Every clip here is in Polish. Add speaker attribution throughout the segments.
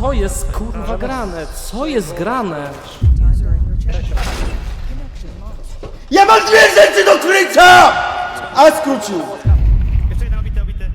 Speaker 1: Co jest kurwa grane? Co jest grane?
Speaker 2: Ja mam dwie rzeczy do krycia! A skrócił!
Speaker 3: Jeszcze jeden obity.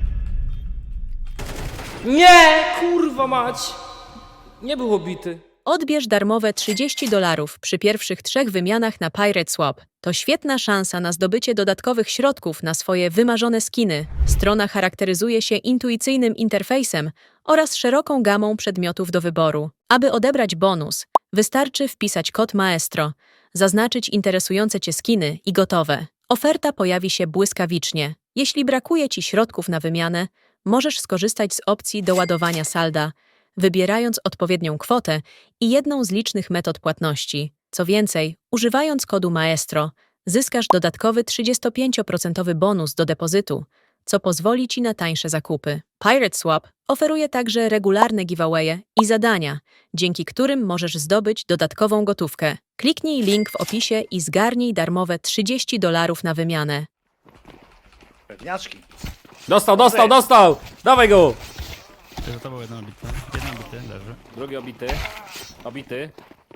Speaker 1: Nie! Kurwa mać! Nie był obity.
Speaker 4: Odbierz darmowe $30 przy pierwszych 3 wymianach na Pirate Swap. To świetna szansa na zdobycie dodatkowych środków na swoje wymarzone skiny. Strona charakteryzuje się intuicyjnym interfejsem oraz szeroką gamą przedmiotów do wyboru. Aby odebrać bonus, wystarczy wpisać kod Maestro, zaznaczyć interesujące Cię skiny i gotowe. Oferta pojawi się błyskawicznie. Jeśli brakuje Ci środków na wymianę, możesz skorzystać z opcji doładowania salda, wybierając odpowiednią kwotę i jedną z licznych metod płatności. Co więcej, używając kodu Maestro, zyskasz dodatkowy 35% bonus do depozytu, co pozwoli Ci na tańsze zakupy. Pirate Swap oferuje także regularne giveawaye i zadania, dzięki którym możesz zdobyć dodatkową gotówkę. Kliknij link w opisie i zgarnij darmowe $30 na wymianę.
Speaker 5: Pewniaczki.
Speaker 1: Dostał! Dawaj go!
Speaker 3: To za tobą jeden obity. Jeden obity, leży.
Speaker 1: Drugi obity.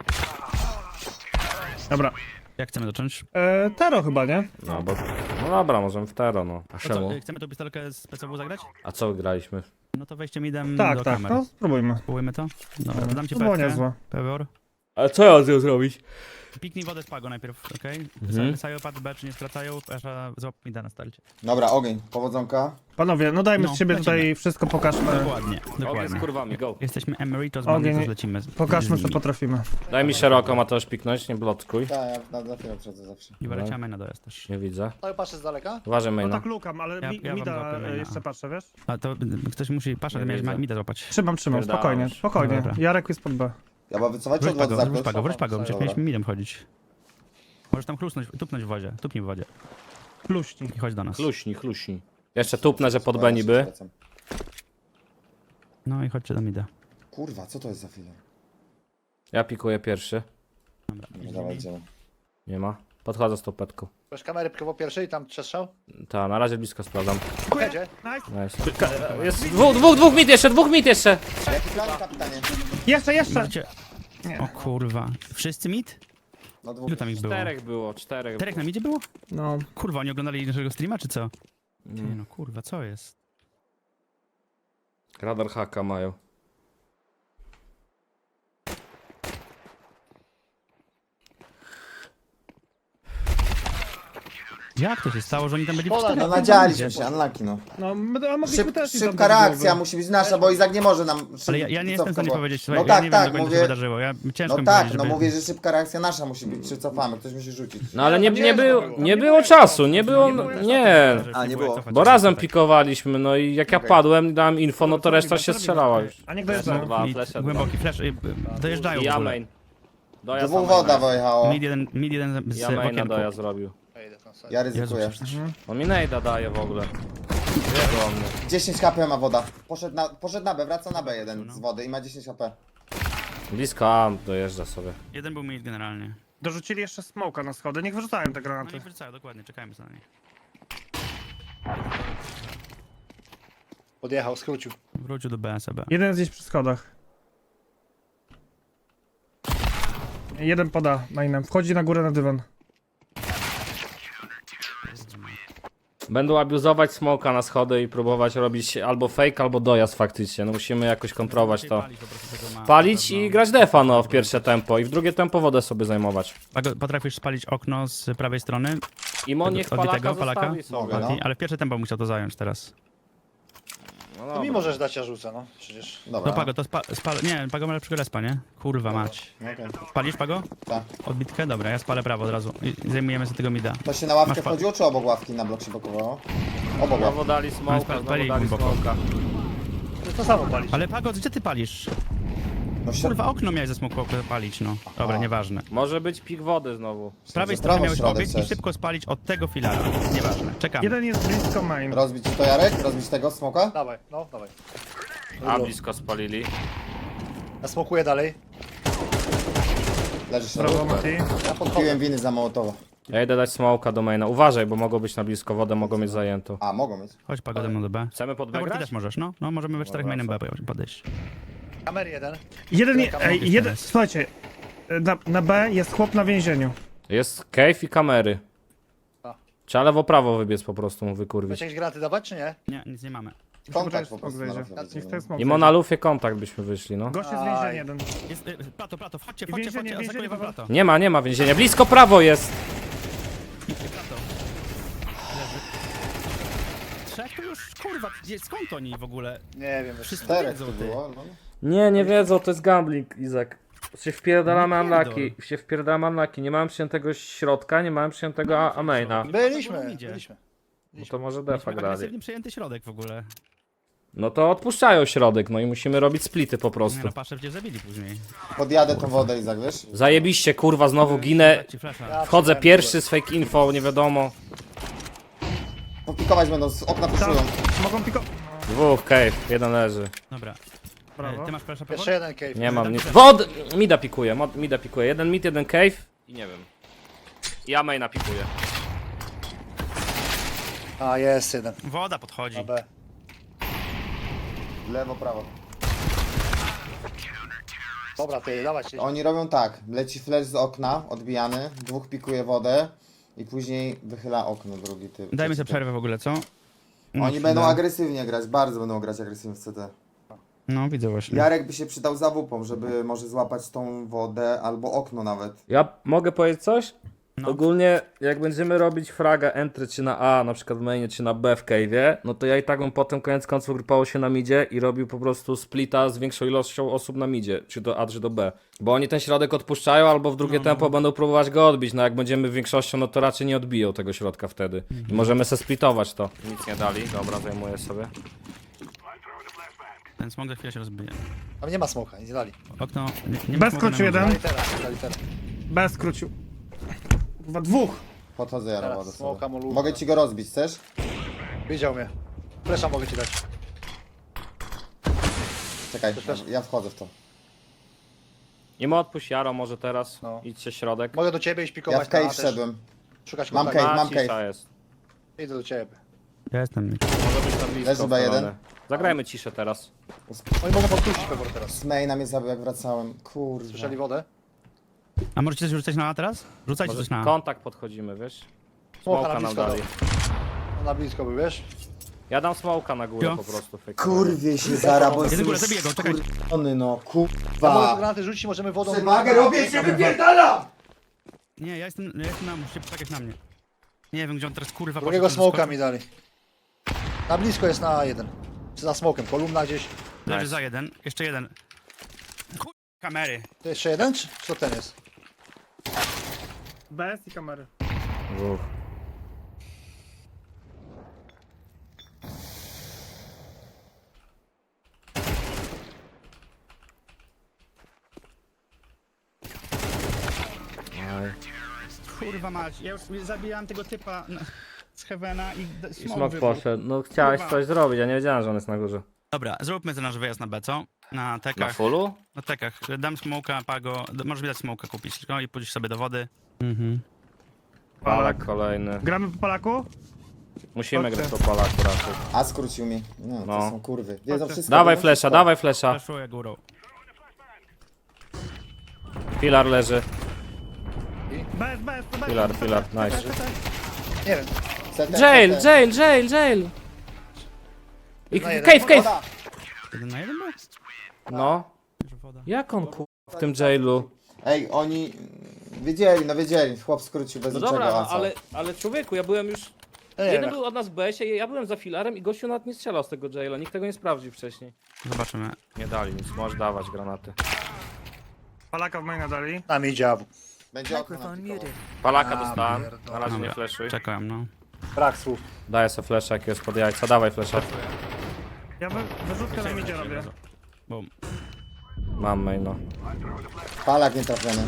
Speaker 6: Dobra.
Speaker 3: Jak chcemy zacząć?
Speaker 6: Tero chyba, nie?
Speaker 1: No dobra, możemy w tero, no. A
Speaker 3: To co,
Speaker 1: czemu?
Speaker 3: chcemy tą pistolkę z PCW zagrać?
Speaker 1: A co graliśmy?
Speaker 3: No to wejście midem
Speaker 6: Tak,
Speaker 3: do
Speaker 6: tak,
Speaker 3: kamer.
Speaker 6: no spróbujmy.
Speaker 3: Spróbujmy to? Dobra, to dam ci
Speaker 6: To było
Speaker 3: pewkę.
Speaker 6: niezłe.
Speaker 3: Pewor.
Speaker 1: Ale co ja z nią zrobić?
Speaker 3: Piknij wodę z pago najpierw, okej? Wysają pad B, czy nie skracają, Esza złap mida na starcie.
Speaker 2: Dobra, ogień, powodzonka.
Speaker 6: Panowie, no dajmy
Speaker 3: No,
Speaker 6: z siebie
Speaker 3: lecimy.
Speaker 6: tutaj wszystko, pokażmy.
Speaker 3: Dokładnie,
Speaker 1: Ogień z
Speaker 3: dokładnie.
Speaker 1: kurwami, go.
Speaker 3: Jesteśmy Emeritus
Speaker 6: Ogień.
Speaker 3: Banditos, lecimy.
Speaker 6: Pokażmy, co potrafimy.
Speaker 1: Daj mi szeroko, ma też piknąć, nie blotkuj.
Speaker 2: Tak, ja na chwilę przed zawsze.
Speaker 3: I wyleciamy na dojazd też.
Speaker 1: Nie widzę.
Speaker 5: Ale patrzę z daleka.
Speaker 1: Uważaj,
Speaker 6: No
Speaker 1: maina.
Speaker 6: tak lukam, ale
Speaker 3: Ja wam
Speaker 6: mida
Speaker 3: złapię maina.
Speaker 6: jeszcze patrzę, wiesz?
Speaker 3: A to ktoś musi, Pasza,
Speaker 1: Nie
Speaker 3: miałeś
Speaker 1: widzę.
Speaker 3: mida złapać.
Speaker 6: Trzymam,
Speaker 1: Spierdalam
Speaker 6: spokojnie,
Speaker 1: już.
Speaker 6: spokojnie.
Speaker 3: Dobra.
Speaker 6: Jarek jest pod B.
Speaker 2: Ja mam wycofać czy
Speaker 3: Wróć
Speaker 2: od wody
Speaker 3: pago, wróć
Speaker 2: zakres?
Speaker 3: pago, wróć pago, przecież
Speaker 2: Dobra.
Speaker 3: mieliśmy midem chodzić. Możesz tam chlusnąć, tupnąć w wodzie, tupnij w wodzie
Speaker 6: Pluści.
Speaker 3: i chodź do nas.
Speaker 1: Chluśni. Jeszcze tupnę, że pod B niby.
Speaker 3: No i chodźcie do mida.
Speaker 2: Kurwa, co to jest za filar?
Speaker 1: Ja pikuję pierwszy.
Speaker 2: No dawaj, idziemy.
Speaker 1: Nie ma. Podchodzę z tą petką.
Speaker 5: Masz kamerę po pierwszej, tam przestrzał.
Speaker 1: Ta, na razie blisko sprawdzam.
Speaker 5: Jedzie.
Speaker 6: Nice.
Speaker 1: Nice. Jest dwóch mit jeszcze!
Speaker 2: Jaki plan, kapitanie?
Speaker 6: Jeszcze!
Speaker 3: Możecie... O kurwa. Wszyscy mid?
Speaker 2: No dwóch.
Speaker 3: Ilu tam ich było?
Speaker 1: Czterech.
Speaker 3: Czterech na midzie było?
Speaker 6: No.
Speaker 3: Kurwa, oni oglądali naszego streama, czy co? Nie no, kurwa, co jest?
Speaker 1: Radar haka mają.
Speaker 3: Jak to się stało, że oni tam byli w
Speaker 5: Pola,
Speaker 3: czterech?
Speaker 2: No nadzialiśmy się, unlucky no.
Speaker 6: No, a mogliśmy też i tam
Speaker 2: Szybka
Speaker 6: do
Speaker 2: reakcja
Speaker 6: głowy.
Speaker 2: musi być nasza, bo Izak nie może nam
Speaker 3: Ale ja nie jestem w stanie
Speaker 2: bo-
Speaker 3: powiedzieć,
Speaker 2: No
Speaker 3: słuchaj,
Speaker 2: tak,
Speaker 3: ja nie
Speaker 2: tak,
Speaker 3: wiem dokładnie, co
Speaker 2: mówię.
Speaker 3: się wydarzyło. Ciężko
Speaker 2: No
Speaker 3: mi
Speaker 2: tak,
Speaker 3: powiedzieć,
Speaker 2: no
Speaker 3: żeby...
Speaker 2: mówię, że szybka reakcja nasza musi być, czy cofamy, ktoś musi rzucić.
Speaker 1: No ale
Speaker 6: nie
Speaker 1: nie było czasu, nie było. Nie.
Speaker 2: A, nie było.
Speaker 3: cofać
Speaker 1: Bo
Speaker 3: się,
Speaker 1: razem
Speaker 3: tak.
Speaker 1: pikowaliśmy, no i jak ja
Speaker 2: Okej.
Speaker 1: padłem, dałem info, no to reszta się strzelała już.
Speaker 6: A niech dojeżdżają.
Speaker 1: Dwa,
Speaker 3: Mid,
Speaker 1: flesze,
Speaker 3: głęboki flash, dojeżdżają
Speaker 1: I
Speaker 3: w
Speaker 1: ja
Speaker 3: ogóle.
Speaker 1: main. Dojazd
Speaker 2: Dwóch
Speaker 1: na maina.
Speaker 2: woda wyjechało.
Speaker 3: Mid jeden z
Speaker 1: Ja maina
Speaker 3: okienku.
Speaker 1: dojazd zrobił.
Speaker 5: Ja idę tam sobie.
Speaker 2: Ja
Speaker 3: Jezu,
Speaker 2: ryzykuję.
Speaker 3: przecież-
Speaker 1: On mi nejda daje w ogóle. Wie do mnie.
Speaker 2: 10 HP ma woda. Poszedł na B, wraca na B jeden z wody i ma 10 HP.
Speaker 1: Blisko A dojeżdża sobie.
Speaker 3: Jeden był mid generalnie.
Speaker 6: Dorzucili jeszcze smoka na schody, niech wyrzucają te
Speaker 3: No
Speaker 6: granaty.
Speaker 3: i wracają, dokładnie, czekajmy na nich.
Speaker 5: Podjechał, skrócił.
Speaker 3: Wrócił do BSB.
Speaker 6: Jeden jest gdzieś przy schodach. Jeden poda mainem. Wchodzi na górę na dywan.
Speaker 1: Będą abuzować smoka na schody i próbować robić albo fake, albo dojazd faktycznie. No musimy jakoś kontrolować to.
Speaker 3: Palić po prostu tego ma-
Speaker 1: Palić
Speaker 3: na
Speaker 1: i
Speaker 3: pewno.
Speaker 1: grać defa no w pierwsze tempo i w drugie tempo wodę sobie zajmować.
Speaker 3: Potrafisz spalić okno z prawej strony,
Speaker 1: I Mon niech
Speaker 3: Odbitego
Speaker 1: Palaka
Speaker 3: Palaka?
Speaker 1: zostawi
Speaker 2: Mogę,
Speaker 1: sobie.
Speaker 2: no.
Speaker 3: ale w pierwsze tempo musiał to zająć teraz.
Speaker 1: No
Speaker 5: To mi
Speaker 1: dobra.
Speaker 5: możesz dać, ja rzucę, no. Przecież.
Speaker 2: Dobra.
Speaker 3: No Pago, to nie, Pago ma lepszego respa, nie? Kurwa mać.
Speaker 2: Okej.
Speaker 3: Spalisz Pago?
Speaker 2: Tak.
Speaker 3: Odbitkę? Dobra, ja spalę prawo od razu. I zajmujemy sobie tego mida.
Speaker 2: To się na ławkę
Speaker 3: Masz pa-
Speaker 2: wchodziło, czy obok ławki na blok się blokowało? Obok ławki.
Speaker 1: Znowu dali smoka, znowu
Speaker 3: Spalili
Speaker 1: dali
Speaker 3: głęboko.
Speaker 1: smoka.
Speaker 5: To samo palić.
Speaker 3: Ale Pago, gdzie ty palisz?
Speaker 2: No
Speaker 3: Kurwa, okno miałeś ze smoku palić, no. Dobra, nieważne.
Speaker 1: Może być pik wody znowu.
Speaker 3: Z prawej
Speaker 2: Że
Speaker 3: strony
Speaker 2: prawo
Speaker 3: miałeś
Speaker 2: środek
Speaker 3: obiekt i
Speaker 2: chcesz.
Speaker 3: szybko spalić od tego filara. Nieważne, czekamy.
Speaker 6: Jeden jest blisko main.
Speaker 2: Rozbić to Jarek? Rozbić tego smoka?
Speaker 5: Dawaj, no, dawaj.
Speaker 1: A blisko spalili.
Speaker 5: Ja smokuję dalej.
Speaker 2: Leżysz
Speaker 6: Brawo,
Speaker 2: na
Speaker 6: Mati.
Speaker 5: Ja podchodzę.
Speaker 2: Piłem winy za Mołotowa.
Speaker 1: Ja idę dać smoka do maina. Uważaj, bo mogą być na blisko wodę, mogą mieć zajętą.
Speaker 2: A, mogą mieć.
Speaker 3: Chodź Pago ze mną do B.
Speaker 1: Chcemy pod
Speaker 3: Dobra, ty
Speaker 1: wygrać?
Speaker 3: też możesz, no. No, możemy we czterech mainem B podejść.
Speaker 5: Kamer jeden.
Speaker 6: Słuchajcie, na B jest chłop na więzieniu.
Speaker 1: Jest cave i kamery.
Speaker 5: A.
Speaker 1: Trzeba lewo-prawo wybiec po prostu, mu wykurwić.
Speaker 5: Chcecie jakieś granaty dawać, czy nie?
Speaker 3: Nie, nic nie mamy.
Speaker 7: Kontakt po
Speaker 6: Smok
Speaker 7: prostu.
Speaker 6: zejdzie.
Speaker 7: na razie
Speaker 6: Niech
Speaker 7: widzimy.
Speaker 6: ten smok
Speaker 1: I
Speaker 6: zejdzie.
Speaker 1: na lufie kontakt byśmy wyszli, no.
Speaker 6: Gość jest
Speaker 5: Aj.
Speaker 6: więzienie jeden.
Speaker 3: Jest, plato, wchodźcie,
Speaker 6: Więzienie,
Speaker 3: atakuję wam
Speaker 6: Paweł.
Speaker 3: plato.
Speaker 1: Nie ma więzienia. Blisko prawo jest!
Speaker 3: Plato. Leży. Trzech to już, kurwa, skąd oni w ogóle?
Speaker 5: Nie wiem.
Speaker 3: Wszyscy
Speaker 7: Czterech
Speaker 3: wiedzą,
Speaker 7: tu
Speaker 3: ty.
Speaker 7: było, no.
Speaker 1: Nie wiedzą, to jest gambling, Izak. Się wpierdalamy
Speaker 3: Nie pierdol.
Speaker 1: unlucky, się wpierdalamy unlucky. Nie mamy przyjętego środka, nie mamy przyjętego amaina.
Speaker 5: Byliśmy.
Speaker 1: No to może
Speaker 3: Mieliśmy
Speaker 1: defa grali.
Speaker 3: agresywnie przejęty środek w ogóle.
Speaker 1: No to odpuszczają środek, no i musimy robić splity po
Speaker 3: Nie
Speaker 1: prostu.
Speaker 3: no, patrzę, gdzie zabili później.
Speaker 7: Podjadę tą wodę i zawiesz.
Speaker 1: Zajebiście, kurwa, znowu ginę.
Speaker 3: Dać ci flasha.
Speaker 1: Wchodzę pierwszy z fake info, nie wiadomo.
Speaker 7: Popikować będą, z okna puszują.
Speaker 6: Mogą piko...
Speaker 1: Dwóch, cave, jeden leży.
Speaker 3: Dobra.
Speaker 6: Brawo.
Speaker 3: Ty masz flasha, Paweł?
Speaker 5: Jeszcze jeden cave.
Speaker 1: Nie mam
Speaker 3: Dobra.
Speaker 1: nic. Wod! Mida pikuje, mida pikuje. Jeden mid, jeden cave. I nie wiem. Ja maina pikuję.
Speaker 5: A, jest jeden.
Speaker 3: Woda podchodzi.
Speaker 5: Na B.
Speaker 7: Lewo, prawo.
Speaker 5: Dobra, ty, dawać.
Speaker 7: Oni robią tak, leci flash z okna, odbijany, dwóch pikuje wodę i później wychyla okno drugi typ.
Speaker 3: Dajmy sobie przerwę w ogóle, co?
Speaker 7: Oni będą agresywnie grać, bardzo będą grać agresywnie w CT.
Speaker 3: No, widzę właśnie.
Speaker 7: Jarek by się przydał za wupą, żeby może złapać tą wodę albo okno nawet.
Speaker 1: Ja mogę powiedzieć coś?
Speaker 3: No.
Speaker 1: Ogólnie, jak będziemy robić fraga entry czy na A, na przykład w mainie, czy na B w cave'ie, no to ja i tak bym potem koniec końców grupował się na midzie i robił po prostu splita z większą ilością osób na midzie, czy do A, czy do B. Bo oni ten środek odpuszczają, albo w drugie tempo będą próbować go odbić, no jak będziemy większością, no to raczej nie odbiją tego środka wtedy. I możemy se splitować to. Nic nie dali, dobra, zajmuję sobie.
Speaker 3: Ten smog za chwilę się rozbije.
Speaker 5: Tam nie ma smoka, nic nie dali.
Speaker 3: Okno... Nie
Speaker 6: Bez
Speaker 3: smoga na
Speaker 6: kluczu
Speaker 3: górze.
Speaker 6: jeden.
Speaker 5: Dali teraz.
Speaker 6: B skrócił. Chyba dwóch.
Speaker 7: Podchodzę Jara
Speaker 5: Teraz
Speaker 7: wodę
Speaker 5: smoka,
Speaker 7: sobie.
Speaker 5: molówka.
Speaker 7: Mogę ci go rozbić, chcesz?
Speaker 5: Widział mnie. Flesza mogę ci dać.
Speaker 7: Czekaj,
Speaker 5: też-
Speaker 7: ja wchodzę w to.
Speaker 1: Nie ma odpuść Jaro może teraz,
Speaker 5: No.
Speaker 1: idźcie środek.
Speaker 5: Mogę do ciebie iść
Speaker 7: Ja
Speaker 5: pikować
Speaker 7: w cave
Speaker 5: na A też.
Speaker 7: wszedłem.
Speaker 5: Szukać
Speaker 7: Mam
Speaker 5: kontaktu.
Speaker 7: cave, mam
Speaker 1: cisza
Speaker 7: cave.
Speaker 1: jest.
Speaker 5: Idę do ciebie.
Speaker 3: Ja jestem.
Speaker 1: Może być na blisko.
Speaker 7: Leży B1.
Speaker 1: wcalone. Zagrajmy ciszę teraz.
Speaker 5: Oni mogą podpuścić pewor teraz.
Speaker 7: Z maina mnie zabił jak wracałem. Kurwa.
Speaker 5: Słyszeli wodę?
Speaker 3: A możecie coś rzucać na A teraz? Rzucajcie
Speaker 1: Może
Speaker 3: coś na A.
Speaker 1: kontakt podchodzimy, wiesz?
Speaker 5: Smoka
Speaker 1: Smoka
Speaker 5: na
Speaker 1: nam
Speaker 5: blisko
Speaker 1: dali.
Speaker 5: No, na blisko był, wiesz?
Speaker 1: Ja dam smoka na górę
Speaker 3: Jo.
Speaker 1: po prostu. fake.
Speaker 7: Kurwie się zara, bo
Speaker 3: Jeden
Speaker 7: jestem
Speaker 3: górę, zabiję go, czekaj.
Speaker 7: skurczony, no
Speaker 5: Ja mogę
Speaker 7: kurwa.
Speaker 5: granaty rzucić, możemy wodą...
Speaker 7: Przewagę robię się wypierdalam!
Speaker 3: Nie, ja jestem na... Musicie poczekać na mnie. Nie wiem, gdzie on teraz kurwa
Speaker 5: Drugiego
Speaker 3: poszedł,
Speaker 5: smoka
Speaker 3: zaskoczył.
Speaker 5: mi dali. Na blisko jest na A1. Czy za smokiem, kolumna gdzieś.
Speaker 3: Leży
Speaker 1: Nice.
Speaker 3: za jeden. Jeszcze jeden. Chuj, kamery.
Speaker 5: To jeszcze jeden, czy to ten jest?
Speaker 6: BS i kamery.
Speaker 1: Dwóch. Aj.
Speaker 3: Kurwa mać. Ja już zabijałem tego typa z Heavena i
Speaker 1: I
Speaker 3: smok
Speaker 1: smok
Speaker 3: wybuchł.
Speaker 1: poszedł. No chciałeś
Speaker 3: Kurwa.
Speaker 1: coś zrobić, ja nie wiedziałem, że on jest na górze.
Speaker 3: Dobra, zróbmy ten nasz wyjazd na B, co? Na
Speaker 1: Na
Speaker 3: tekach.
Speaker 1: fullu?
Speaker 3: Na tekach. Dam smoka, pago. Możesz mi dać smoka kupić. No i pójdziesz sobie do wody. Mhm.
Speaker 1: Palak kolejny.
Speaker 6: Gramy po Polaku?
Speaker 1: Musimy
Speaker 6: Chodźcie.
Speaker 1: grać po palaku raczej.
Speaker 7: A skrócił mi. No, to
Speaker 1: No.
Speaker 7: są kurwy. Wiedzą wszystko.
Speaker 1: Dawaj
Speaker 7: wiedzą
Speaker 1: flesza,
Speaker 7: wszystko.
Speaker 1: dawaj flesza.
Speaker 3: Flashuję górą.
Speaker 1: Filar leży.
Speaker 6: BS,
Speaker 1: Filar, nice.
Speaker 5: Nie wiem.
Speaker 7: CT,
Speaker 1: Jail,
Speaker 7: CT.
Speaker 1: jail! I
Speaker 5: Na jeden.
Speaker 1: cave!
Speaker 7: Woda.
Speaker 3: Jeden na jeden był?
Speaker 1: No.
Speaker 3: Że woda.
Speaker 1: Jak on w tym jailu?
Speaker 7: Ej, oni wiedzieli, no wiedzieli. Chłop skrócił bez
Speaker 1: No
Speaker 7: niczego.
Speaker 1: dobra,
Speaker 7: a
Speaker 1: no,
Speaker 7: co?
Speaker 1: ale człowieku, ja byłem już...
Speaker 5: Ja nie
Speaker 1: Jeden
Speaker 5: wiem.
Speaker 1: był od nas w BS-ie, ja byłem za filarem i gościu nawet nie strzelał z tego jaila. Nikt tego nie sprawdził wcześniej.
Speaker 3: Zobaczymy.
Speaker 1: Nie dali nic, możesz dawać granaty.
Speaker 6: Polaka w maina dali.
Speaker 5: Na mi dziabu.
Speaker 7: Będzie okno napikował.
Speaker 1: Palaka
Speaker 5: A,
Speaker 1: dostałem,
Speaker 5: pierdolę.
Speaker 1: na razie nie
Speaker 3: Dobra.
Speaker 1: fleszuj.
Speaker 3: Czekam, no.
Speaker 5: Brak słów.
Speaker 1: Daję sobie flesza jakiegoś pod jajca, dawaj flesza.
Speaker 6: Ja wyrzutkę na midzie robię.
Speaker 3: Boom.
Speaker 1: Mam main, no.
Speaker 7: Palak nie trafiony.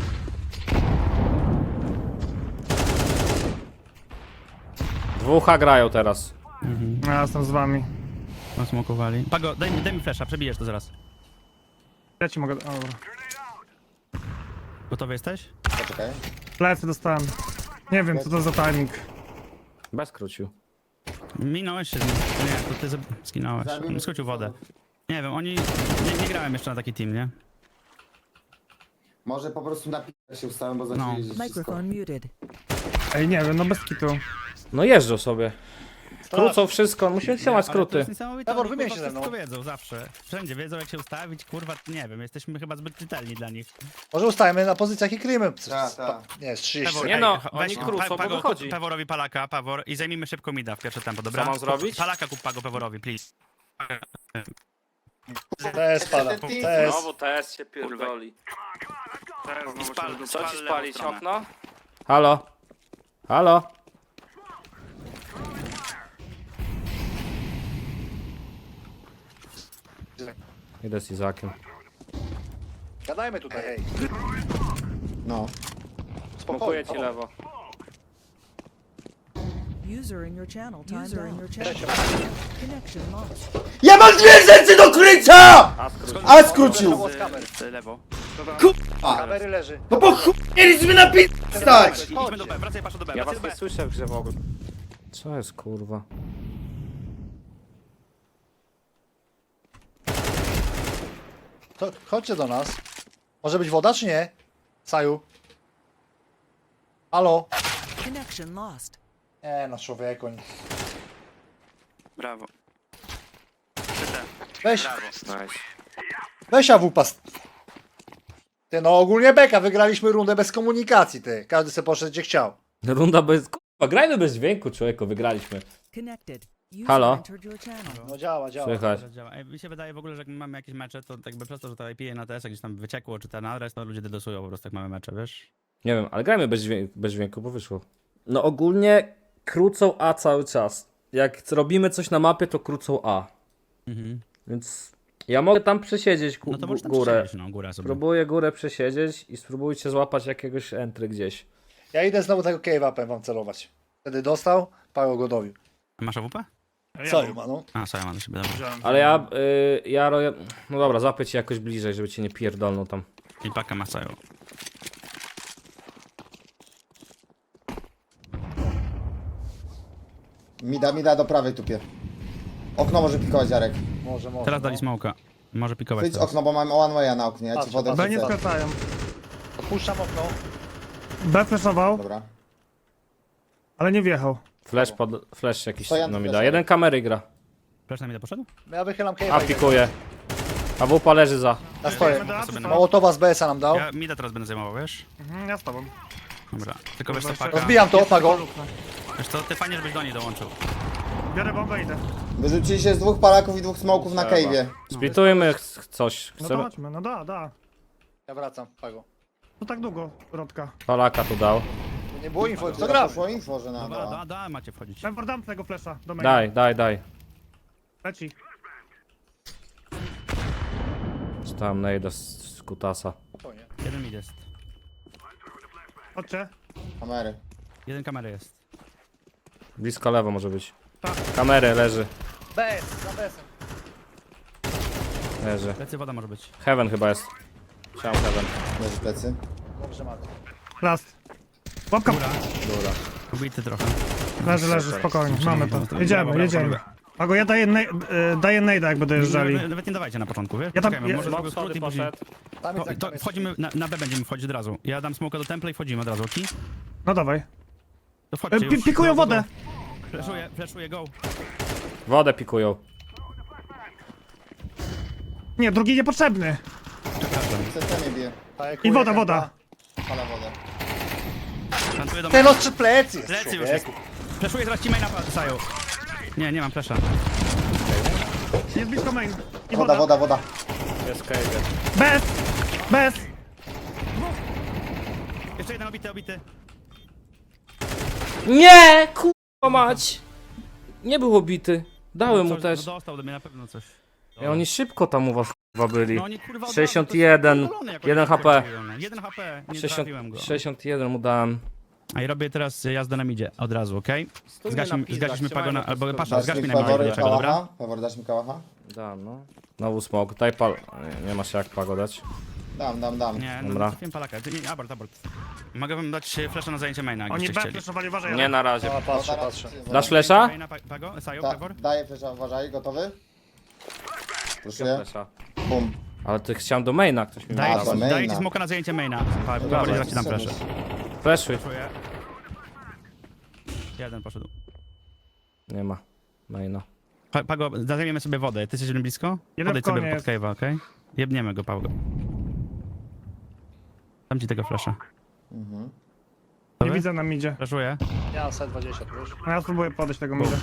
Speaker 1: Dwóch A grają teraz.
Speaker 6: Ja jestem z wami.
Speaker 3: Nasmokowali. Pago, daj mi flasha, przebijesz to zaraz.
Speaker 6: Ja ci mogę... O, dobra.
Speaker 3: Gotowy jesteś?
Speaker 7: Poczekaj.
Speaker 6: Plecy dostałem. Nie wiem, co to za timing.
Speaker 1: Bez skrócił.
Speaker 3: Minąłeś się z nim. Nie, to ty skinąłeś.
Speaker 7: Zabił mnie.
Speaker 3: Skrócił wodę. Nie wiem, oni... Nie grałem jeszcze na taki team, nie?
Speaker 7: Może po prostu na p***a się ustałem, bo zaczęli jeździć wszystko.
Speaker 8: Microphone muted.
Speaker 6: Ej, nie wiem, no bez kitu.
Speaker 1: No jeżdżą sobie. Krócą wszystko, musimy trzymać
Speaker 3: Ale to
Speaker 1: skróty.
Speaker 3: jest niesamowite,
Speaker 5: Pewor,
Speaker 3: oni,
Speaker 5: wymień
Speaker 3: kurwa,
Speaker 5: się ze mną.
Speaker 3: wszystko wiedzą zawsze. Wszędzie wiedzą jak się ustawić, kurwa, nie wiem, jesteśmy chyba zbyt czytelni dla nich.
Speaker 5: Może ustajemy na pozycjach i kryjmy.
Speaker 7: Tak.
Speaker 5: Nie, z 30
Speaker 3: Pewor,
Speaker 1: Nie
Speaker 5: sekund.
Speaker 1: no,
Speaker 3: weź
Speaker 1: oni krócą, bo wychodzi.
Speaker 3: Peworowi Palaka, Pawor, i zajmijmy szybko mida w pierwsze tempo, dobra?
Speaker 1: Co mam zrobić?
Speaker 3: Palaka kup Pago Peworowi, please.
Speaker 5: TS pada. TS.
Speaker 1: Znowu TS się pierdoli. Co ci spalić okno? Halo? Halo? Idę z Izakiem.
Speaker 5: Gadajmy tutaj, hej.
Speaker 7: No.
Speaker 1: Smokuję ci lewo.
Speaker 8: User in your channel. User in your channel. Connection lost.
Speaker 2: Ja mam 2 rzeczy do krycia! A skrócił!
Speaker 5: Było z kamer.
Speaker 3: Lewo.
Speaker 5: Kamery leży.
Speaker 2: No bo chuj mieliśmy na stać!
Speaker 3: Idźmy do B, wracaj Paszo do B,
Speaker 1: Ja
Speaker 3: wracaj
Speaker 1: was
Speaker 3: do
Speaker 1: nie
Speaker 3: B.
Speaker 1: słyszę w grze w ogóle. Co jest kurwa?
Speaker 5: To, chodźcie do nas. Może być woda, czy nie? Saju. Halo?
Speaker 8: Connection lost.
Speaker 5: Nie no, człowieku.
Speaker 3: Brawo.
Speaker 5: Weź,
Speaker 1: Nice.
Speaker 5: weź AWP. Ty no, ogólnie beka, wygraliśmy rundę bez komunikacji, ty. Każdy se poszedł gdzie chciał.
Speaker 1: Runda bez... Kurwa, grajmy bez dźwięku, człowieku, wygraliśmy.
Speaker 8: Connected. User
Speaker 1: Halo?
Speaker 8: entered your channel.
Speaker 5: No działa, działa.
Speaker 1: Słychać.
Speaker 3: Działa. Ej, mi się wydaje w ogóle, że jak my mamy jakieś mecze, to jakby przez to, że to IP na TS gdzieś tam wyciekło, czy ten adres, to ludzie dedosują po prostu jak mamy mecze, wiesz?
Speaker 1: Nie wiem, ale grajmy bez dźwięku, bo wyszło. No ogólnie krócą A cały czas. Jak robimy coś na mapie, to krócą A. Więc ja mogę tam przesiedzieć
Speaker 3: No to możesz tam
Speaker 1: górę.
Speaker 3: przesiedzieć, no, górę sobie.
Speaker 1: Spróbuję górę przesiedzieć i spróbujcie złapać jakiegoś entry gdzieś.
Speaker 5: Ja idę znowu tego cave-upem wam celować. Wtedy dostał, Paweł go dobił.
Speaker 3: Masz AWP?
Speaker 5: Co ma, no?
Speaker 3: A, sorry, mam do siebie, dobra.
Speaker 1: Ale ja roję... No dobra, złapię cię jakoś bliżej, żeby cię nie pierdolną tam.
Speaker 3: I paka ma cają.
Speaker 7: Mida do prawej tupie. Okno może pikować, Jarek.
Speaker 5: Może, może.
Speaker 3: Teraz
Speaker 5: no.
Speaker 3: dali smoka. Może pikować
Speaker 7: Wyjdź
Speaker 3: teraz.
Speaker 7: okno, bo mam one way'a na oknie, ja ci
Speaker 5: Patrzę,
Speaker 7: wodę
Speaker 6: B nie
Speaker 7: wrzucę.
Speaker 6: skracają.
Speaker 5: Puszczam okno.
Speaker 6: B flashował,
Speaker 7: Dobra.
Speaker 6: ale nie wjechał.
Speaker 1: Flash jakiś
Speaker 7: To ja
Speaker 1: no mi da.
Speaker 7: flashuję.
Speaker 1: Jeden kamery gra.
Speaker 3: Flash na mida poszedł?
Speaker 5: Ja wychylam
Speaker 1: A
Speaker 5: cave'a.
Speaker 1: pikuje. A wupa leży za.
Speaker 5: Ja stoję.
Speaker 6: Idziemy do A, czy co?
Speaker 5: Mołotowa z BS-a nam dał.
Speaker 3: Ja mida teraz będę zajmował, wiesz?
Speaker 6: Ja z tobą.
Speaker 3: Dobra. Tylko wiesz co,
Speaker 6: Dobra,
Speaker 3: paka.
Speaker 5: Rozbijam to, Pago.
Speaker 3: Wiesz co, ty fajnie, żebyś do niej dołączył.
Speaker 6: Biorę bombę, idę.
Speaker 7: Wyrzucili się z 2 palaków i 2 smoków na
Speaker 1: Trzeba.
Speaker 7: cave'ie.
Speaker 1: Splitujmy coś.
Speaker 6: No to
Speaker 1: Chcemy...
Speaker 6: chodźmy, no da.
Speaker 5: Ja wracam, Pago.
Speaker 6: To tak długo, Rodka.
Speaker 1: Palaka tu dał.
Speaker 5: Tu nie było info, co
Speaker 7: Zaraz
Speaker 5: gramy.
Speaker 7: poszło info, że na
Speaker 3: Dobra, da, macie wchodzić.
Speaker 6: Pewor, dam tego flasha do maina.
Speaker 1: Daj.
Speaker 6: Leci.
Speaker 1: Czytałem najda z kutasa.
Speaker 5: Spokojnie.
Speaker 3: Jeden mid jest.
Speaker 6: Chodźcie.
Speaker 7: kamery.
Speaker 3: Jeden kamery jest.
Speaker 1: Blisko lewo może być.
Speaker 6: Tak.
Speaker 1: Kamery leży.
Speaker 5: BS, za BS-em.
Speaker 1: Leży.
Speaker 3: Lecy woda może być.
Speaker 1: Heaven chyba jest. Chciałem Heaven.
Speaker 7: Leży plecy.
Speaker 5: Dobrze, Marko.
Speaker 6: Last. Łapka.
Speaker 1: Dobra.
Speaker 3: Ubity trochę.
Speaker 6: Leży, spokojnie, mamy to.
Speaker 3: Dobra,
Speaker 6: Jedziemy. Pago, ja daję nade'a, jak będę jeżdżali.
Speaker 3: Nawet nie dawajcie na początku, wiesz?
Speaker 6: Ja tam-
Speaker 3: Poczekajmy,
Speaker 6: ja-
Speaker 3: może
Speaker 1: Smok
Speaker 3: zrobię skrót
Speaker 1: schody
Speaker 3: i później...
Speaker 1: poszedł.
Speaker 5: Tam jest,
Speaker 3: To wchodzimy, na B będziemy wchodzić od razu. Ja dam smoka do temple i wchodzimy od razu, ok?
Speaker 6: No dawaj.
Speaker 3: To wchodźcie już.
Speaker 6: Pikują
Speaker 3: Go, go,
Speaker 6: wodę.
Speaker 3: go. Flashuję, go.
Speaker 1: Wodę pikują.
Speaker 6: Nie, drugi niepotrzebny.
Speaker 7: CT mnie bije.
Speaker 6: I woda.
Speaker 7: Pala wodę.
Speaker 3: Plantuję do
Speaker 5: Ten ostrzy plecy jest,
Speaker 3: Plecy już jest.
Speaker 5: człowieku.
Speaker 3: Flashuję zaraz ci maina Saju. Nie mam flasha.
Speaker 6: Jest blisko main. I
Speaker 7: Woda.
Speaker 1: Jest cave.
Speaker 6: Bez.
Speaker 3: Jeszcze jeden obity.
Speaker 1: Nie! Kurwa mać! Nie był obity. Dałem mu
Speaker 3: Coś-
Speaker 1: też.
Speaker 3: No dostał do mnie na pewno coś.
Speaker 1: I oni szybko tam u was kurwa byli.
Speaker 3: No oni kurwa od
Speaker 1: 61,
Speaker 3: razu, to jest pierdolone, jak
Speaker 1: 1
Speaker 3: oni
Speaker 1: HP.
Speaker 3: się wkurwiły, no. 1 HP, nie
Speaker 1: 60,
Speaker 3: trafiłem go.
Speaker 1: 61 mu dałem.
Speaker 3: A i robię teraz jazdę na midzie, od razu, okej? Zgasiliśmy pagona, albo pasza,
Speaker 7: Dasz
Speaker 3: zgaś
Speaker 7: mi
Speaker 3: mi na midzie,
Speaker 7: Pewor
Speaker 3: dlaczego, dobra?
Speaker 7: kałacha? Pewor, dasz mi kałacha?
Speaker 1: Dam, no. Znowu smok. Daj pal... Nie masz jak pagodać.
Speaker 7: Dam.
Speaker 3: Nie, no
Speaker 1: Dobra.
Speaker 3: trafiłem palaka, nie, abort. Mogę wam dać flasha na zajęcie maina,
Speaker 6: Oni
Speaker 3: jakbyście
Speaker 6: B
Speaker 3: chcieli.
Speaker 6: flashowali, uważaj.
Speaker 1: Nie na razie.
Speaker 5: A, patrzę.
Speaker 1: Dasz flesza?
Speaker 3: Maina, Pago, Saju,
Speaker 7: Tak,
Speaker 3: Pewor?
Speaker 7: daję flesza, uważaj, gotowy? Proszę.
Speaker 1: Flesza.
Speaker 7: Bum.
Speaker 1: Ale ty chciałem do maina, ktoś mi
Speaker 7: Daj.
Speaker 1: ma
Speaker 7: do
Speaker 1: dawać.
Speaker 7: maina.
Speaker 3: Daję ci smoka na zajęcie maina. Powoli zaraz ci dam flesze.
Speaker 1: Fleszuj.
Speaker 3: Czuję. Jeden poszedł.
Speaker 1: Nie ma maina.
Speaker 3: Pago, zajmiemy sobie wodę. Ty jesteś blisko?
Speaker 6: Jeden
Speaker 3: Podejdź
Speaker 6: w konie
Speaker 3: sobie pod
Speaker 6: jest.
Speaker 3: cave'a, okej? Jebniemy go, Pago. Dam ci tego flasha.
Speaker 6: Nie widzę na midzie.
Speaker 3: Flashuję.
Speaker 5: Ja mam set 20, tu już.
Speaker 6: No ja spróbuję podejść tego mida.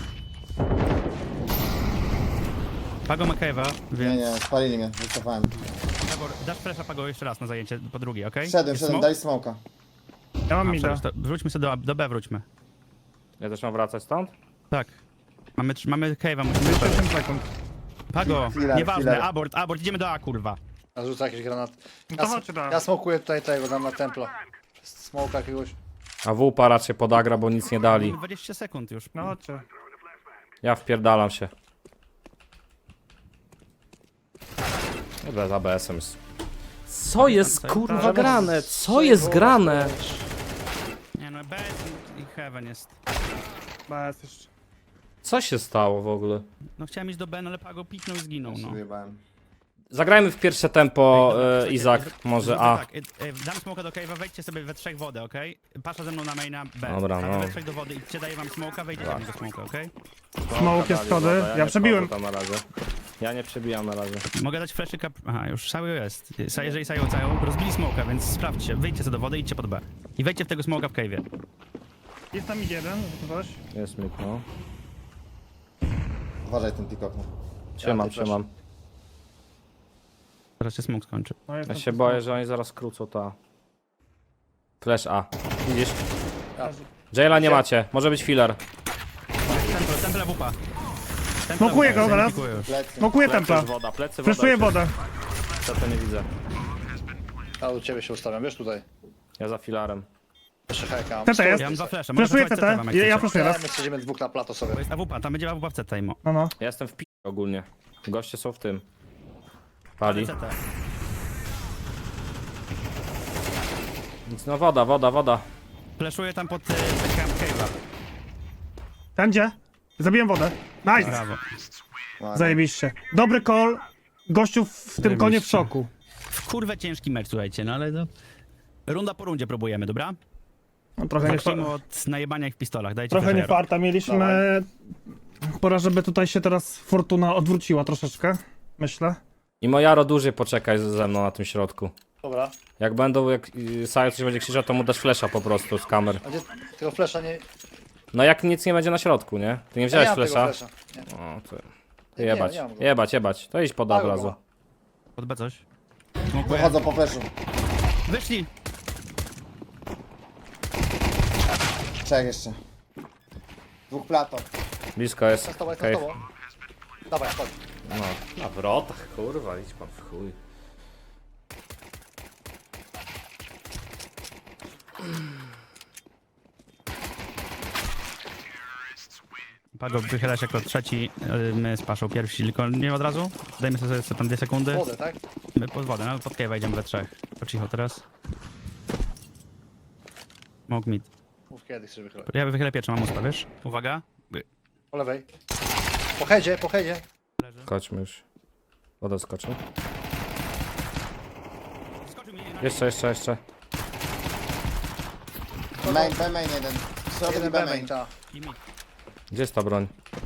Speaker 3: Pago ma cave'a,
Speaker 7: Nie,
Speaker 3: więc...
Speaker 7: nie, spalili mnie, wycofałem.
Speaker 3: Pago, dasz flasha Pago jeszcze raz na zajęcie, po drugie, okej?
Speaker 7: Szedłem,
Speaker 3: Jest smoke?
Speaker 7: daj smoka.
Speaker 6: Ja mam
Speaker 3: A,
Speaker 6: mida.
Speaker 3: przecież to wróćmy sobie do B, wróćmy.
Speaker 1: Ja też mam wracać stąd?
Speaker 3: Tak. Mamy cave'a, musimy...
Speaker 6: 8 sekund.
Speaker 3: Pago,
Speaker 7: Filar,
Speaker 3: nieważne,
Speaker 7: filar.
Speaker 3: abort, idziemy do A, kurwa.
Speaker 5: Ja rzucę jakiś granat.
Speaker 6: No to chodźcie dalej.
Speaker 5: Ja smokuję tutaj tego, dam na templa. Smoka jakiegoś.
Speaker 1: A WP raczej podagra, bo nic nie dali.
Speaker 3: Mamy 20 sekund już.
Speaker 6: No chodźcie.
Speaker 1: Ja wpierdalam się. Dobra, z ABS-em jest. Co jest kurwa grane? Co jest grane?
Speaker 3: Nie no, B i Heaven jest.
Speaker 6: Bez jeszcze.
Speaker 1: Co się stało w ogóle?
Speaker 3: No chciałem iść do B, no ale Pago piknął i zginął, no.
Speaker 7: Wyjebałem.
Speaker 1: Zagrajmy w pierwsze tempo,
Speaker 3: Słuchajcie,
Speaker 1: Izak, może
Speaker 3: zróbmy
Speaker 1: A.
Speaker 3: Tak, dam smoka do cave'a, wejdźcie sobie we trzech wodę, okej? Pasza ze mną na maina B.
Speaker 1: Dobra,
Speaker 3: A wy
Speaker 1: no.
Speaker 3: we trzech do wody i daję wam smoka, wejdziecie do smoka, okej?
Speaker 6: Smoke jest schody. Ja przebiłem.
Speaker 1: Tam na razie. Ja nie przebijam na razie.
Speaker 3: Mogę dać fleszyka... Aha, już Sajo jest. Jeżeli Sajo cają, rozbili smoka, więc sprawdźcie. Wyjdźcie sobie do wody, idźcie pod B. I wejdźcie w tego smoka w cave'ie.
Speaker 6: Jest tam idzie jeden, coś.
Speaker 1: Jest mi, no.
Speaker 7: Uważaj ten pikok.
Speaker 1: Trzymam.
Speaker 3: Zaraz się smoke skończy.
Speaker 6: No, jest
Speaker 1: Ja
Speaker 6: tam
Speaker 1: się boję, że oni zaraz krócą ta. Flash A. Widzisz? Jaila nie macie, może być filler.
Speaker 3: Temple wupa.
Speaker 6: Smokuję go zaraz.
Speaker 7: Plecy.
Speaker 6: Smokuję templa.
Speaker 1: woda, plecy
Speaker 6: Fleszuję wodę.
Speaker 1: Co to nie widzę.
Speaker 5: Ja u ciebie się ustawiam, wiesz tutaj.
Speaker 1: Ja za filarem.
Speaker 5: Jeszcze heka mam.
Speaker 6: CT jest.
Speaker 3: Ja mam dwa flesze.
Speaker 6: Fleszuję
Speaker 3: Mogę
Speaker 6: CT.
Speaker 3: wysłać CT wam, jak
Speaker 6: Ja
Speaker 3: chcecie.
Speaker 6: fleszuję raz.
Speaker 5: My siedzimy dwóch na plato sobie.
Speaker 3: To jest AWP, tam będzie AWP w CT, imo.
Speaker 6: No no.
Speaker 1: Ja jestem w pi... ogólnie. Goście są w tym. Pali.
Speaker 3: CT.
Speaker 1: Nic, no woda.
Speaker 3: Fleszuję tam pod camp cave'a.
Speaker 6: Ten gdzie? Zabiłem wodę. Nice.
Speaker 3: Brawo.
Speaker 6: Zajebiście. Dobry call. Gościu w tym konie w szoku.
Speaker 3: W kurwę ciężki mecz, słuchajcie, no ale no... Runda po rundzie próbujemy, dobra?
Speaker 6: No, trochę nie,
Speaker 3: Zacznijmy od najebania ich w pistolach, dajcie
Speaker 6: trochę nie
Speaker 3: flashero.
Speaker 6: farta mieliśmy. Pora, żeby tutaj się teraz fortuna odwróciła troszeczkę. Myślę.
Speaker 1: I Mojaro dłużej poczekaj ze mną na tym środku.
Speaker 5: Dobra.
Speaker 1: Jak będą, jak Sajo coś będzie krzyczał, to mu dasz flesza po prostu z kamer.
Speaker 5: A gdzie tego flesza nie...
Speaker 1: No jak nic nie będzie na środku, nie? Ty nie
Speaker 5: Ja
Speaker 1: wziąłeś
Speaker 5: nie mam tego
Speaker 1: flesza?
Speaker 5: flesza. Nie.
Speaker 1: O, to...
Speaker 5: Nie,
Speaker 1: Jebać,
Speaker 5: nie mam go.
Speaker 1: jebać. To idź pod A od
Speaker 5: Mały
Speaker 1: razu.
Speaker 5: go
Speaker 3: Pod B coś. Smokuję.
Speaker 7: Wychodzą po fleszu.
Speaker 3: Wyszli!
Speaker 7: Trzech jeszcze. Dwóch plato.
Speaker 1: Blisko jest.
Speaker 5: Jestem z tobą,
Speaker 1: Okej.
Speaker 5: jestem z tobą. Dawaj, chodź.
Speaker 1: No, na wrotach, kurwa, idź pan w chuj.
Speaker 3: Pago, wychyla się jako trzeci, my z Paszą pierwsi, tylko nie od razu. Dajmy sobie tam 2 sekundy.
Speaker 5: Wodę, tak?
Speaker 3: My pod wodę, no pod cave'a idziemy we trzech. Po cicho teraz. Smoke mid.
Speaker 5: Mów kiedy chcesz wychylać.
Speaker 3: Ja wychylę pierwszy, mam usta, wiesz? Uwaga.
Speaker 5: Po lewej. Po headzie, po headzie.
Speaker 1: Skoczmy już. Woda skoczy.
Speaker 3: Skoczył mi
Speaker 1: Jeszcze.
Speaker 7: Main, B main jeden. Środek
Speaker 5: Jeden
Speaker 7: B
Speaker 5: B main,
Speaker 7: main.
Speaker 5: ta.
Speaker 3: i mid.
Speaker 1: Gdzie jest ta broń?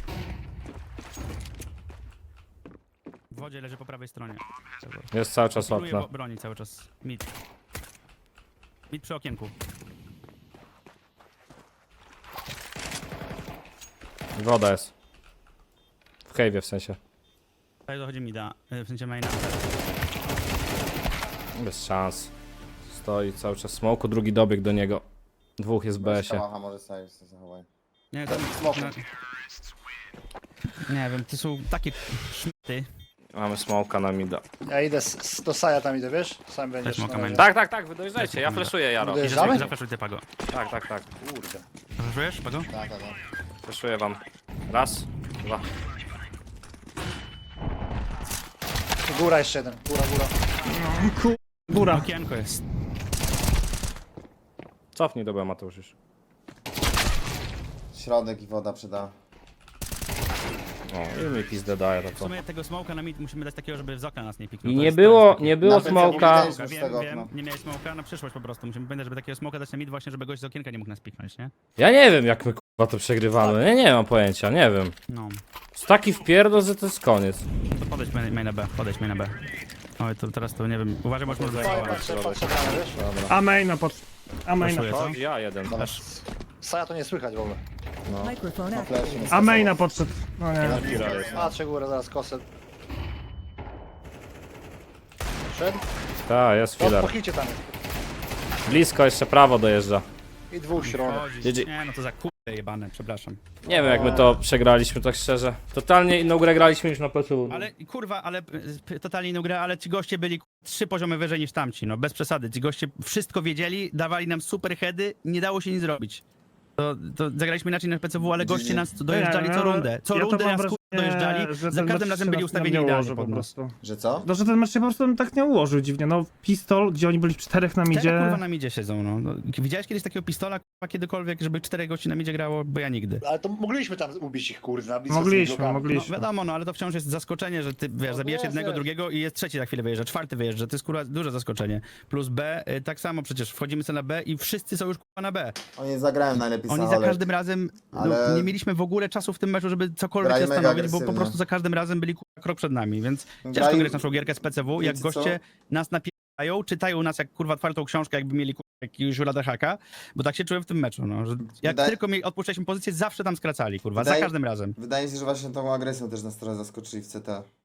Speaker 3: W wodzie leży po prawej stronie.
Speaker 1: Jest cały czas
Speaker 3: Pilnuję
Speaker 1: okno.
Speaker 3: broni cały czas. Mid. Mid przy okienku.
Speaker 1: Woda jest. W cave'ie w sensie.
Speaker 3: Tutaj dochodzi mida, w sensie maina.
Speaker 1: Bez szans. Stoi cały czas smoku, drugi dobieg do niego. Dwóch jest w BS-ie.
Speaker 7: Kałacha może sobie zachowaj.
Speaker 3: Nie, to,
Speaker 7: Smoku.
Speaker 3: nie wiem, to są takie szmity.
Speaker 1: Mamy smoka na mida.
Speaker 5: Ja idę do Saja tam idę, wiesz? Sam będziesz.
Speaker 3: smoka
Speaker 5: na
Speaker 3: main.
Speaker 5: razie.
Speaker 1: Tak, wy dojeżdżajcie, ja fleszuję Jaro.
Speaker 5: Dojeżdżaj. Jeżdżamy?
Speaker 3: Zafreszuj ty, Pago.
Speaker 1: Tak.
Speaker 5: Kurde.
Speaker 3: Zafreszujesz, Pago?
Speaker 7: Tak.
Speaker 1: Fleszuję wam. Raz, dwa.
Speaker 5: Góra jeszcze jeden. Góra.
Speaker 6: Góra.
Speaker 3: Okienko jest.
Speaker 1: Cofnij do B, Mateusz już.
Speaker 7: Środek i woda przyda.
Speaker 1: O, i mi pizdę daje to
Speaker 3: W
Speaker 1: co.
Speaker 3: sumie tego smoka na mid musimy dać takiego, żeby z okna nas nie piknął.
Speaker 1: I
Speaker 3: To
Speaker 1: nie
Speaker 3: jest-
Speaker 1: było,
Speaker 3: to jest takie-
Speaker 1: nie było
Speaker 7: Na pewno
Speaker 1: smoka.
Speaker 7: widać. z
Speaker 3: Wiem,
Speaker 7: tego
Speaker 3: wiem,
Speaker 7: okna.
Speaker 3: nie miałeś smoka na przyszłość po prostu. Musimy pamiętać, żeby takiego smoka dać na mid właśnie, żeby gość z okienka nie mógł nas piknąć, nie?
Speaker 1: Ja nie wiem jak my kurwa to przegrywamy. Ja nie mam pojęcia, nie wiem.
Speaker 3: No.
Speaker 1: Jest taki wpierdol, że to jest koniec.
Speaker 3: To podejdź main na B, podejdź main na B. Oj, to teraz to nie wiem, uważaj, może
Speaker 5: Patrzę, patrzę, wiesz?
Speaker 6: A maina pod... A maina.
Speaker 3: Proszę, co?
Speaker 1: Ja jeden.
Speaker 5: Dobra. Saja to nie słychać w ogóle.
Speaker 8: Microphone
Speaker 7: Na
Speaker 8: activated.
Speaker 7: flash,
Speaker 6: A maina podszedł. No nie.
Speaker 5: Patrzę górę, zaraz kosę. Szedł?
Speaker 1: Tak, jest
Speaker 5: Po
Speaker 1: filar.
Speaker 5: hicie tam jest.
Speaker 1: Blisko, jeszcze prawo dojeżdża.
Speaker 5: I dwóch środek.
Speaker 1: GG.
Speaker 3: Nie, no to za kurde jebane, przepraszam.
Speaker 1: Nie wiem jak my to przegraliśmy, tak szczerze. Totalnie inną grę graliśmy niż na PSU.
Speaker 3: Ale kurwa, ale totalnie inną grę, ale ci goście byli 3 poziomy wyżej niż tamci, no bez przesady. Ci goście wszystko wiedzieli, dawali nam super heady, nie dało się nic zrobić. To zagraliśmy inaczej na PCW, ale goście nas dojeżdżali co rundę. Co
Speaker 6: Ja to
Speaker 3: rundę
Speaker 6: mam
Speaker 3: nas
Speaker 6: wrażenie,
Speaker 3: dojeżdżali,
Speaker 6: że
Speaker 3: za
Speaker 6: ten
Speaker 3: każdym
Speaker 6: mecz
Speaker 3: razem
Speaker 6: się
Speaker 3: byli
Speaker 6: nam
Speaker 3: ustawieni
Speaker 6: nie
Speaker 3: idealnie
Speaker 6: ułożył
Speaker 3: pod
Speaker 6: po
Speaker 3: nas.
Speaker 6: prostu.
Speaker 7: Że co?
Speaker 6: No, że ten mecz się po prostu tak nie ułożył dziwnie. No, pistol, gdzie oni byli w 4 na
Speaker 3: Cztery kurwa
Speaker 6: midzie.
Speaker 3: na midzie siedzą, no. Widziałeś kiedyś takiego pistola, kurwa, kiedykolwiek, żeby 4 gości na midzie grało? Bo ja nigdy.
Speaker 5: Ale to mogliśmy tam ubić ich kurwa na blisko z tymi
Speaker 6: Mogliśmy,
Speaker 5: blokami.
Speaker 3: No
Speaker 6: mogliśmy.
Speaker 3: wiadomo, no ale to wciąż jest zaskoczenie, że ty, wiesz,
Speaker 5: No
Speaker 3: zabijesz
Speaker 5: jest,
Speaker 3: jednego,
Speaker 5: jest.
Speaker 3: drugiego i jest trzeci za chwilę wyjeżdża, czwarty wyjeżdża, to jest kurwa duże zaskoczenie. Plus B, tak samo przecież wchodzimy sobie na B i wszyscy są już kurwa na B.
Speaker 7: Oni zagrają najlepiej
Speaker 3: Oni za
Speaker 7: Saholek.
Speaker 3: każdym razem,
Speaker 7: Ale-
Speaker 3: nie mieliśmy w ogóle czasu w tym meczu, żeby cokolwiek
Speaker 7: Grali mega
Speaker 3: zastanowić, bo po
Speaker 7: agresywnie.
Speaker 3: prostu za każdym razem byli kurwa krok przed nami, więc ciężko
Speaker 7: Grali-
Speaker 3: grać naszą gierkę z PCW, jak
Speaker 7: Wiecie co?
Speaker 3: goście nas napierają, czytają nas jak kurwa otwartą książkę, jakby mieli kurwa jakiegoś haka, bo tak się czułem w tym meczu, no, że jak
Speaker 7: Wydaje-
Speaker 3: tylko odpuszczaliśmy pozycję, zawsze tam skracali, kurwa, za
Speaker 7: Wydaje-
Speaker 3: każdym razem.
Speaker 7: Wydaje mi się, że właśnie tą agresją też nas trochę zaskoczyli w CT.